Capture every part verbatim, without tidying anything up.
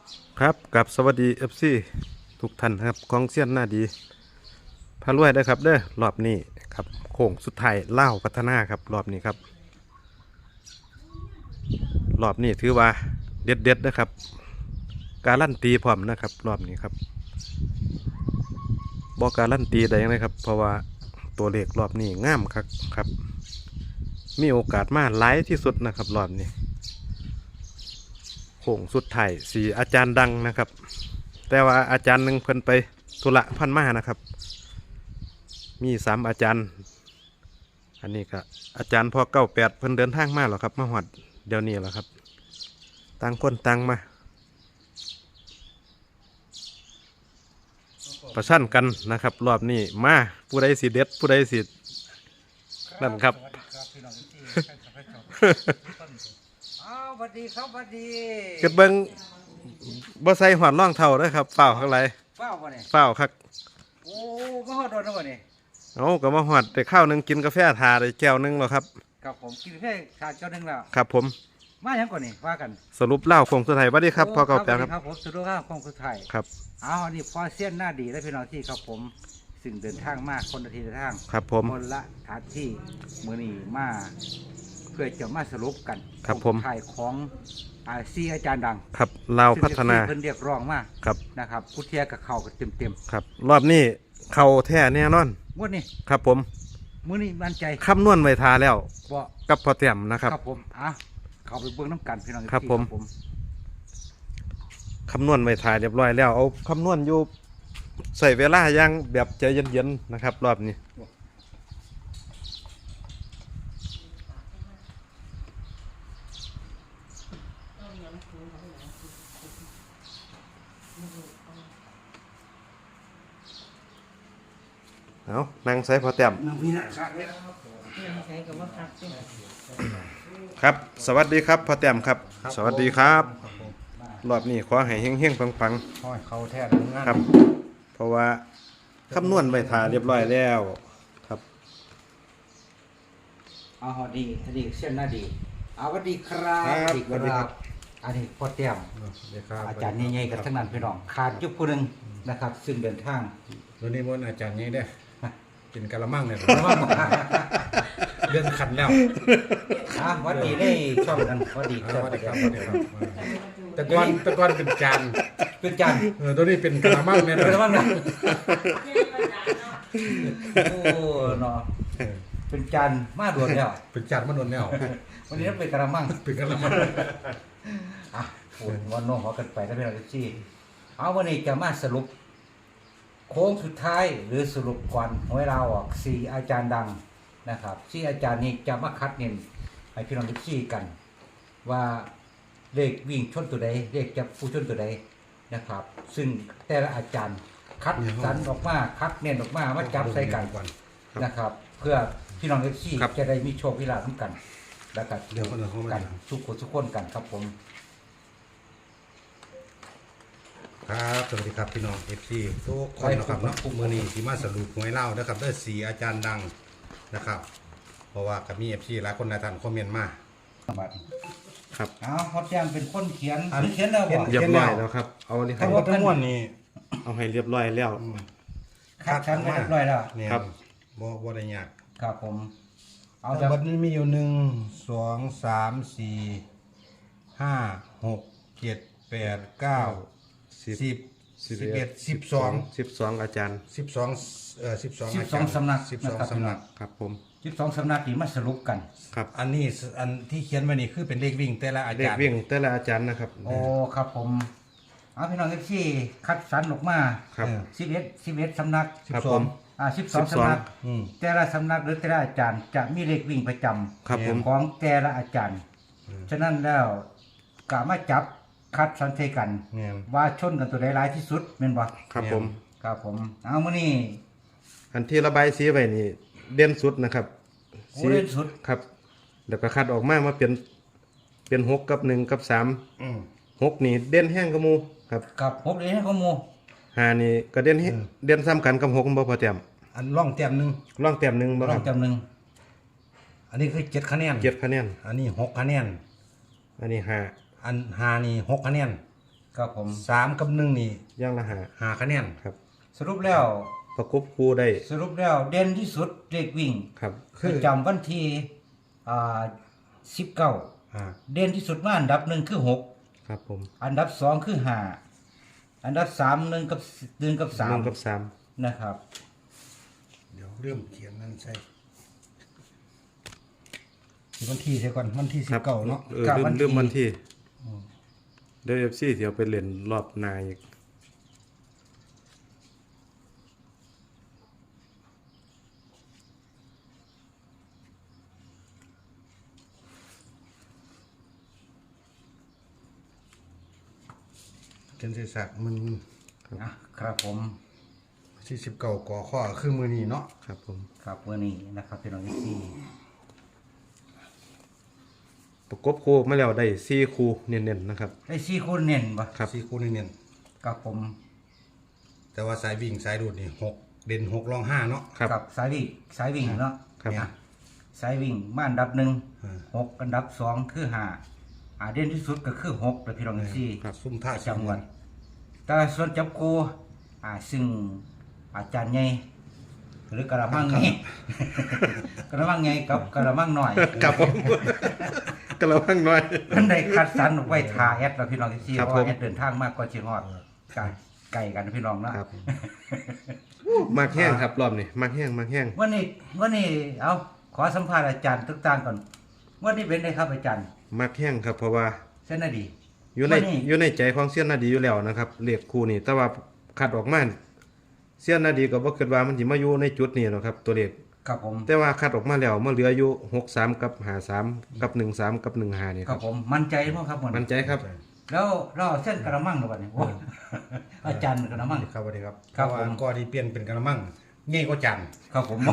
ครับกับสวัสดีเอฟซีทุกท่านครับกองเซียนหน้าดีพารวยได้ครับเด้อรอบนี้ครับโค้งสุดท้ายเล่าพัฒนาครับรอบนี้ครับรอบนี้ถือว่าเด็ดเด็ดนะครับการันตีพร้อมนะครับรอบนี้ครับบอกการันตีได้ยังไงครับเพราะว่าตัวเลขรอบนี้งามครับครับมีโอกาสมาหลายที่สุดนะครับรอบนี้โค้งสุดท้ายสี่อาจารย์ดังนะครับแต่ว่าอาจารย์หนึ่งเพิ่นไปธุระพันมานะครับมีสามอาจารย์อันนี้ก็อาจารย์พอเก้าแปดเพิ่นเดินทางมาหรอครับมาหอดเดี๋ยวนี้แหละครับต่างคนต่างมาประชันกันนะครับรอบนี้มาผู้ใดสิเด็ดผู้ใดสินั่นครับอ้าวสวัสดีครับสวัสดีเกิดเบิ้งบ่ใส่หอดร่องเท่าเด้อครับเฝ้าข้างไรเฝ้าบ่เนี่ยเฝ้าครับโอ้มาหอดโดนแล้วบ่เนี่ยเอาก็มาหอดได้ข้าวหนึงกินกาแฟทาได้แก้วหนึงแล้วครับกับผมกินแค่ขาดเจ้าหนึ่งแล้วครับผมมาอย่างก่อนนี่ว่ากันสรุปเล่าคงสุดท้ายว่าดีครับพอเก่าแปลครับครับผมสุดยอดของสุดท้ายครับเอาอันนี้พอเส้นหน้าดีและพี่น้องที่ครับผมซึ่งเดินทางมากคนละทีละทางครับผมคนละทางที่มื้อนี้มาเพื่อจะมาสรุปกันครับผมถ่ายของอาซีอาจารย์ดังครับเราพัฒนาซึ่งเพิ่นเรียกร้องมาครับนะครับผู้เทียกับเขากับเต็มเต็มครับรอบนี้เข่าแท้แน่นอนๆงวดนี้ครับผมมื้อนี้มั่นใจคำนวณไว้ทาแล้วบ่กับพอเต็มนะครับครับผมอ่ะเข้าไปเบื้องน้ำกันพี่น้องครับผมผมคำนวณไว้ทาเรียบร้อยแล้วเอาคำนวณอยู่ใส่เวลาอย่างแบบใจเย็นๆนะครับ รอบนี้เอานั่งใส่พอเต็มน้ำพี่นะครัครับ สวัสดีครับพ่อแต้มครับ สวัสดีครับ รอบนี้ขอให้เฮงๆปังห้อยเขาแท้งานๆครับ เพราะว่าคำนวณไว้ทาเรียบร้อยแล้วครับเอาหอดีอดีเส้นหน้าดีเอาสวัสดีครับครับอีกเวสวัสดีลาครับอันนี้พ่อแต้มอาจารย์ใหญ่ๆกันทั้งนั้นพี่น้องขาดจุดผู้หนึ่งนะครับ ซึ่งเดินทางวันนี้มนต์อาจารย์ยังได้กินกะละมังเนี่ยเรื่องขันแล้วอ่ะหวัดดีได้ช่องกันหวัดดีสครับวัสดีครับสวัสดีครับแต่ก่อนแต่ก่อนเป็นจานเป็นจันทร์เออตัวนี้เป็นกะละมังเนี่ยเป็นนะบ้างนะโอ้เนาะเป็นจันทร์มาด่วนแล้วเป็นจานมันโดนแนววันนี้ต้องเป็นกระมังเป็นกะละมังอ่ะคุณวันโน้องขอกันไปนะพี่น้องที่เอาวันนี้จะมาสรุปโค้งสุดท้ายหรือสรุปก่อนหวยเราออกสี่อาจารย์ดังนะครับสี่อาจารย์นี้จะมาคัดเน้นให้พี่น้องที่กัน ว่าเลขวิ่งชนตัวใดเลขจับผู้ชนตัวใดนะครับ ซึ่งแต่ละอาจารย์คัดสรรออกมาคัดเน้นออกมามาจับใส่กันก่อนนะครับ เพื่อพี่น้องที่ครับจะได้มีโชคมีลาภกันแล้วก็เดี๋ยวคนเดียวเขากัมานทุกคนทุกคนกันครับผมครับสวัสดีครับพี่น้องเอฟซีทุกคนนะครับเนาะมือนี้ที่มาสรุปหวยเล่านะครับได้สี่อาจารย์ดังนะครับ เพราะว่ากับมีเอฟซีหลายคนหลายท่านคอมเมนต์มาครับเอาเขาแจ้งเป็นคนเขียนหรือเขียนแล้วบ่เรียบร้อยแล้วครับ เอาอันนี้ให้ทั้งหมดทั้งมวลนี่เอาให้เรียบร้อยแล้วคัดชั้นไปเรียบร้อยแล้วเนี่ยครับบ่บ่ได้ยากครับผม เอาเอาจากบัดนี้มีอยู่หนึ่งสองสามสี่ห้าหกเจ็ดแปดเก้าสิบสิบสิบเอ็ดสิบสองสิบสองอาจารย์สิบสองเอ่อสิบสองสิบสองสำนักสิบสองนะครับสำนักครับผมสิบสองสำนักที่มาสรุปกันครับอันนี้สอันที่เขียนไว้นี่คือเป็นเลขวิ่งแต่ละอาเลขจารย์วิ่งแต่ละอาจารย์นะครับโอ้ครับผม เอาพี่น้องที่คัดสรรออกมาครับสิบเอ็ดสิบเอ็ดสำนักครับผมอ่าสิบสองสำนักอืมแต่ละสำนักหรือแต่ละอาจารย์จะมีเลขวิ่งประจำครับผมของแต่ละอาจารย์ ฉะนั้นแล้วกะมาจับคัดสันเทกันเนี่ยว่าชนกันตัวใดร้ายที่สุดแม่นบ่ครับผมครับผม เอามื้อนี้อันที่ระบายสีไว้นี่เด่นสุดนะครับโอ้เล่นสุดครับเดี๋ยวก็คัดออกมามาเป็นเป็นหกกับหนึ่งกับสามอืมหกนี่เด่นแห้งกับหมูครับกับหกเลยให้ข้อมูลหานี่ก็เด่นแฮงเด่นซ้ำกันกับหกบ่พอแต้มอันร่องแต้มหนึ่งร่องแต้มหนึ่งบ่ลคอรังบจำหนึ่งอันนี้คือเจ็ดคะแนนเจ็ดคะแนนอันนี้หกคะแนนอันนี้ห้าอันหานี่หกคะแนนครับผมสามกับหนึ่งนี่ย่างละหาหาคะแนนครับสรุปแล้วประกบคู่ได้สรุปแล้วเด่นที่สุดเลขวิ่งครับประจำวันที่อ่าสิบเก้าอ่าเด่นที่สุดมาอันดับหนึ่งคือหกครับผมอันดับสองคือห้าอันดับสามหนึ่งกับหนึ่งกับสาหนึ่มงกับสามนะครับเดี๋ยวเริ่มเขียนนั่นใช่วันที่ใช่ก่อนวันที่สิบเก้าเนาะเออลืมลืมวันที่เดี๋ยวเอฟซีเดี๋ยวไปเล่นรอบหนาอีกเขียนเศษสัตว์มันอ่ะครับผมที่สิบเก้าก่อข้อคือมือนี้เนาะครับผมครับวันนี้นะครับพี่น้องที่ประกบคู่มาแล้วได้สี่คู่เน้นๆนะครับไอ้สี่คนเน้นปะครับสี่คู่นี่เนี่ยกับผมแต่ว่าสายวิ่งสายดูดนี่หกเด่นหกรองห้าเนาะครับกับสายวิ่งสายวิ่งเนาะครับอ่ะสายวิ่งมาอันดับหนึ่งอ่าหกอันดับสองคือห้าอ่าเด่นที่สุดก็คือหกเลยพี่น้องที่ครับซุ่มท่าจังหวัดแต่ส่วนจับกูอ่าซึ่งอาจารย์ใหญ่หรือกระมังไง กระมังไงกับกระมังหน่อยครับผมก็ระวังหน่อยมันได้คัดสรรไว้ทาแอดเราพี่น้องที่ครับเพราะว่าผมแอดเดินทางมากกว่าชิฮอดไก่ไก่กันพี่น้องนะครับมากแห้งครับรอบนี้มากแห้งมากแห้งวันนี้วันนี้เอาขอสัมภาษณ์อาจารย์ต่างๆก่อนวันนี้เป็นไงครับอาจารย์มากแห้งครับเพราะว่าเส้นนาดีอยู่ในวันนี้อยู่ในใจของเสี้ยนนาดีอยู่แล้วนะครับเลขคู่นี่แต่ว่าคัดออกมาเสี้ยนนาดีก็บ่คิดว่ามันสิมาอยู่ในจุดนี้หรอกครับ ตัวเลขครับผมแต่ว่าคัดออกมาแล้วมันเหลืออยู่หกสามกับห้าสามกับหนึ่งสามกับหนึ่งห้านี่คครัรับบ ผมมั่นใจมั้งครับวันมั่นใจครับแล้วเราเอาเส้นกระมังหรือเปล่าเนี่ยโอ้อาจารย์กระมังครับสวัสดีครับครับเพาะว่าผมก็ที่เปลี่ยนเป็นกระมังง่ายกว่าจันทร์ครับผม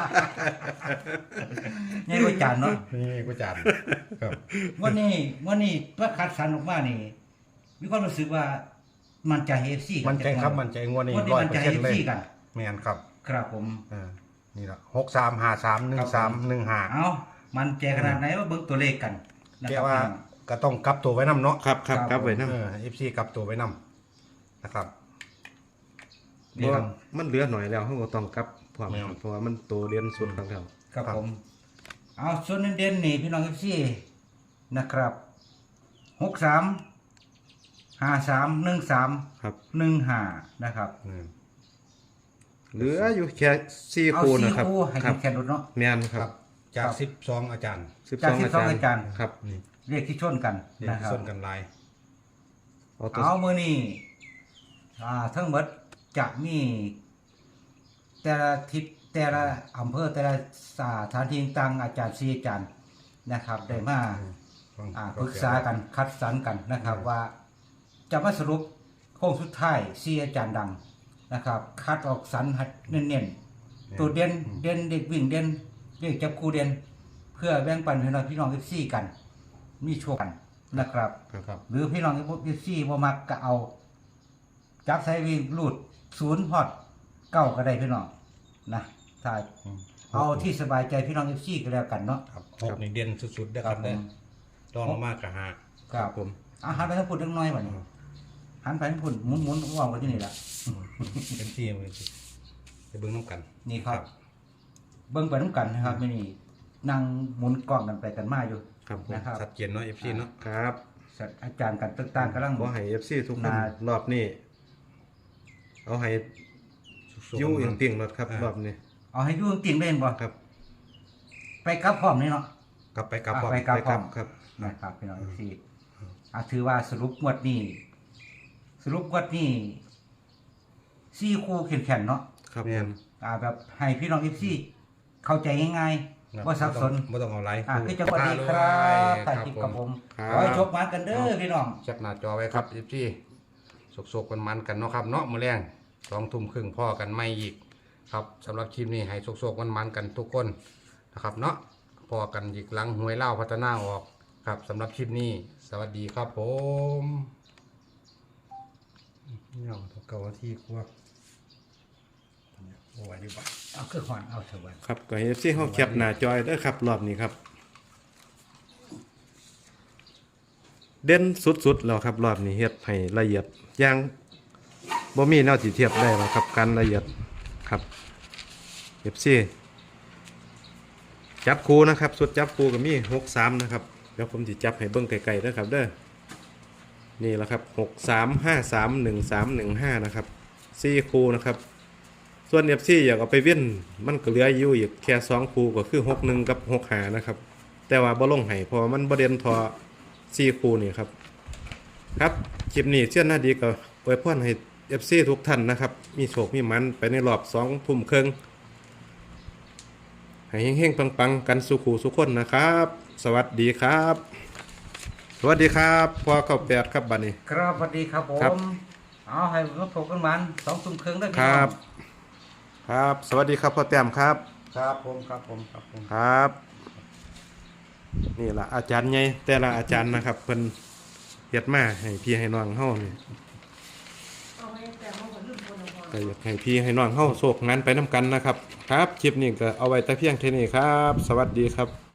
นี่ก็จานเนาะง่ายกว่าจันทร์ครับวันนี้วันนี้เพื่อคัดสรรออกมานี่มีความรู้สึกว่ามันใจเอฟซีมันใจครับมันใจงวดนี้วันนี้ร้อยมันเปอใจร์เซ็นเอต์ฟเลยซีกันแมนครับครับผมอ่านี่ละหกสามห้าสามหนึ่งสามหนึ่งห้าเอามันใจขนาดไหนว่าเบิ่งตัวเลขกันนะคแต่รับว่าก็ต้องกลับตัวไว้นำเนาะครับครับครับไว้นะเออเอฟซีกลับตัวไว้นำนะครับเพราะว่ามันเหลือหน่อยแล้วเขาก็ต้องกลับพร้อมแม่นเพราะว่ามันโตเรียนสุดของเราครับครับผม เอาส่วนเด่นๆนี่พี่น้องเอฟซีนะครับหกสามห้าสามหนึ่งสามครับหนึ่งห้านะครับอืมเหลืออยู่แค่สี่เอาคู่สี่นะครับคู่ให้ครับแข่งรถเนาะแม่นคครัรับบจากครับสิบสองอาจารย์สิบจาสกองสิบอาสองจารอาจารย์ย์ครับนี่เรียกที่ชนกันเรียกนะคที่รับส้นกันลายเอาตัวเอามือนี่อ่าทั้งหมดจะมีแต่ละทิศแต่ละอำเภอแต่ละสถานที่ต่างอาจารย์ซีอาจารย์นะครับ ได้มาอ่าปรึกษากันคัดสรรกันนะครับ ว่าจะมาสรุปโค้งสุดท้ายซีอาจารย์ดังนะครับ คัดออกสรรให้เน้นๆตัวเด่นเด่นเด็กวิ่งเด่นเด็กจับคู่เด่นเพื่อแบ่งปันให้เราพี่น้องเอฟซีกัน มีโชคกันนะครับครับหรือพี่น้องเอฟซีบ่มักก็เอา จับใส่วิ่งรูดศูนย์พอดเก้าก็ได้พี่น้องนะถ้าอืมเอาที่สบายใจพี่น้องเอฟซีก็แล้วกันเนาะครับหกนี่เด่นสุดๆเด้อครับผมเด้อลองลงมากกับหาครับผมอาหันไปทางพุ่นเล็กน้อยบ่นี่หันไปทางพุ่นหมุนหมุนว่างไว้ที่นี่ละเป็นที่มือจะเบิ่งน้ำกันนี่ครับ เบิ่งไปน้ำกันนะครับไม่นี่นั่งหมุนกล้องกันไปกันมาอยู่ครับผมนะครับชัดเจนเนาะเอฟซีเนาะครับสัตว์อาจารย์กันต่างๆกำลังขอให้เอฟซีทุกคนน่ารอบนี้เอาให้สุขๆอยู่อย่างมันติ่งรถครับอ่าร รอบนี้เอาให้อยู่จริงๆได้บ่ครับไปกลับพร้อมนี่เนาะกลับไปกลับอ่ะพร้อมไปกลับไปครับครับนะครับพี่น้องเอฟซีอ่ะถือว่าสรุปงวดนี้สรุปงวดนี้ซี่คู่แข็งๆเนาะครับแม่ผนมอ่าแบบให้พี่น้องเอฟซีเข้าใจง่ายๆว่าสับสนไม่ต้องเอาไลฟ์อ่าคือจังหวัดดีครับถ่ายคลิปกับผมครัขอให้บโชคมากันเด้อพี่น้องแคปหน้าจอไว้ครับเอฟซีสกๆกันมันๆกันเนาะครับเนาะมื้อแรงสองทุ่มครึ่งพ่อกันไม่อีกครับสำหรับคลิปนี้ให้สกๆมันมันๆกันทุกคนนะครับเนาะพอกันอีกหลังหวยเล่าพัฒนาออกครับสำหรับคลิปนี้ สวัสดีครับผมเนี่ยเก่าที่กว่าโอ้ยดีป่ะเอาคือหอนเอาเถอะวันครับก็ให้เอฟซีเขาแคปหน้าจอยเด้อครับรอบนี้ครับเด่นสุดๆแล้วครับรอบนี้เฮ็ดให้ละเอียดอย่างบ่มีแนวสิเทียบได้หรอกครับการละเอียดครับ เอฟ ซี จับคู่นะครับสุดจับคู่ก็มีหกสามนะครับเดี๋ยวผมสิจับให้เบิ่งไกลๆนะครับเด้อนี่แหละครับหกสาม ห้าสาม หนึ่งสาม หนึ่งห้านะครับสี่คู่นะครับส่วน เอฟ ซี อยากเอาไปเว้นมันก็เหลืออยู่อีกแค่สองคู่ก็คือหกหนึ่งกับหกห้านะครับแต่ว่าบ่ลงให้เพราะว่ามันบ่เด่นทอสี่คู่นี่ครับครับคลิปนี้เชื่อหน้าดีก็อวยพรให้ เอฟ ซี ทุกท่านนะครับมีโชคมีหมันไปในรอบสองทุ่มครึ่งให้เฮงๆปังๆกันสุขูสุขคนนะครับ สวัสดีครับ สวัสดีครับพ่อเก้าแปดครับบัดนี้ครับสวัสดีครับผครับมเอาให้มาพบกันมันสองทุ่มครึ่งได้อคพี่น้รัอบ งครับ สวัสดีครับพ่อแต้มครับครับผมครับผมครับผมครับ นี่ล่ะอาจารย์ใหญ่แต่ละอาจารย์นะครับเพิ่นเฮ็ดมาให้พี่ให้น้องเฮานี่ก็อยากให้พี่ให้น้องเฮาโชคงานไปนํกันนะครับ ครับคลิปนี้ก็เอาไว้แต่เพียงเท่านี้ครับ สวัสดีครับ